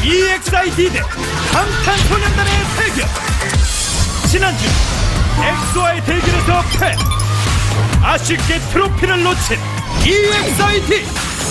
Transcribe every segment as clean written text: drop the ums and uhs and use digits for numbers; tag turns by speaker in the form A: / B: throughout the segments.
A: EXID 대 방탄소년단의 대결. 지난주 엑소와의 대결에서 패. 아쉽게 트로피를 놓친 EXID.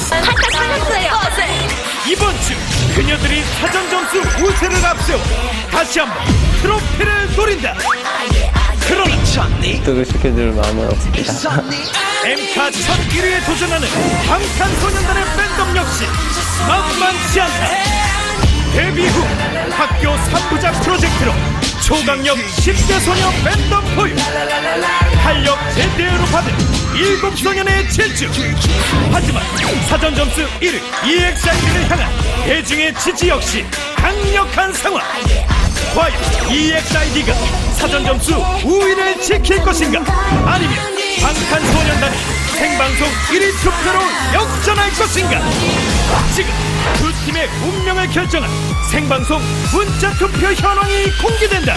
A: 이번 주 그녀들이 사전 점수 우세를 앞세워 다시 한번 트로피를 노린다. 그러나
B: 소개시켜줄 마음은 없습니다.
A: 엠카 첫 1위에 도전하는 방탄소년단의 팬덤 역시 만만치 않다. 데뷔 후 학교 3부작 프로젝트로 초강력 10대 소녀 팬덤 보유, 활력 제대로 받은 7소년의 질주. 하지만 사전 점수 1위 EXID를 향한 대중의 지지 역시 강력한 상황. 과연 EXID가 사전 점수 우위를 지킬 것인가, 아니면 방탄소년단이 생방송 1위 투표로 역전할 것인가. 지금 두 팀의 운명을 결정한 생방송 문자투표 현황이 공개된다.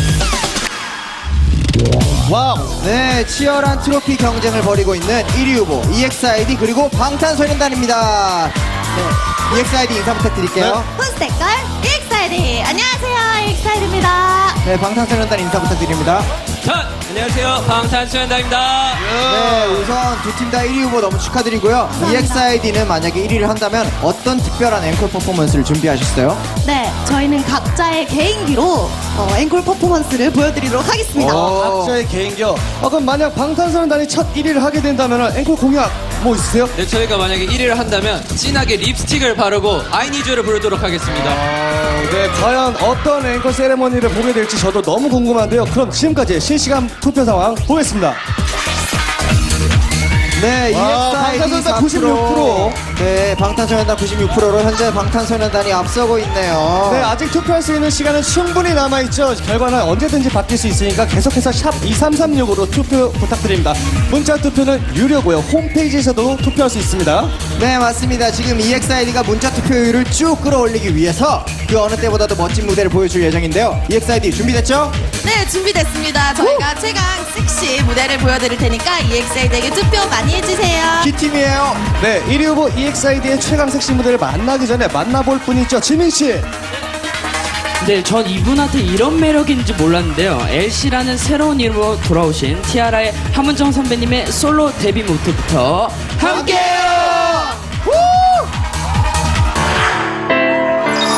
C: 와우! 네, 치열한 트로피 경쟁을 벌이고 있는 1위 후보 EXID 그리고 방탄소년단입니다. 네, EXID 인사 부탁드릴게요.
D: 폰스테걸 EXID. 안녕하세요, EXID입니다.
C: 네, 방탄소년단 인사 부탁드립니다.
B: 안녕하세요, 방탄소년단입니다.
C: 네, 우선 두 팀 다 1위 후보 너무 축하드리고요. EXID는 만약에 1위를 한다면 어떤 특별한 앵콜 퍼포먼스를 준비하셨어요?
D: 네, 저희는 각자의 개인기로 앵콜 퍼포먼스를 보여드리도록 하겠습니다.
E: 각자의 개인기요. 그럼 만약 방탄소년단이 첫 1위를 하게 된다면 앵콜 공약 뭐 있으세요?
B: 네, 저희가 만약에 1위를 한다면 진하게 립스틱을 바르고 I Need You를 부르도록 하겠습니다.
E: 네, 과연 어떤 앵콜 세레머니를 보게 될지 저도 너무 궁금한데요. 그럼 지금까지 실시간 투표 상황 보겠습니다.
C: 네, EXID
E: 방탄소년단 96%.
C: 네, 방탄소년단 96%로 현재 방탄소년단이 앞서고 있네요.
E: 네, 아직 투표할 수 있는 시간은 충분히 남아있죠. 결과는 언제든지 바뀔 수 있으니까 계속해서 샵 2336으로 투표 부탁드립니다. 문자 투표는 유료고요. 홈페이지에서도 투표할 수 있습니다.
C: 네, 맞습니다. 지금 EXID가 문자 투표율을 쭉 끌어올리기 위해서 그 어느 때보다도 멋진 무대를 보여줄 예정인데요. EXID 준비됐죠?
D: 네, 준비됐습니다. 저희가 최강 섹시 무대를 보여드릴 테니까 EXID에게 투표 많이 해주세요.
C: G팀이에요.
E: 네, 1위 후보 EXID의 최강 섹시 무대를 만나기 전에 만나볼 분이 있죠. 지민씨.
F: 네, 전 이분한테 이런 매력인지 몰랐는데요. LC라는 새로운 이름으로 돌아오신 티아라의 함은정 선배님의 솔로 데뷔 무대부터 함께해요!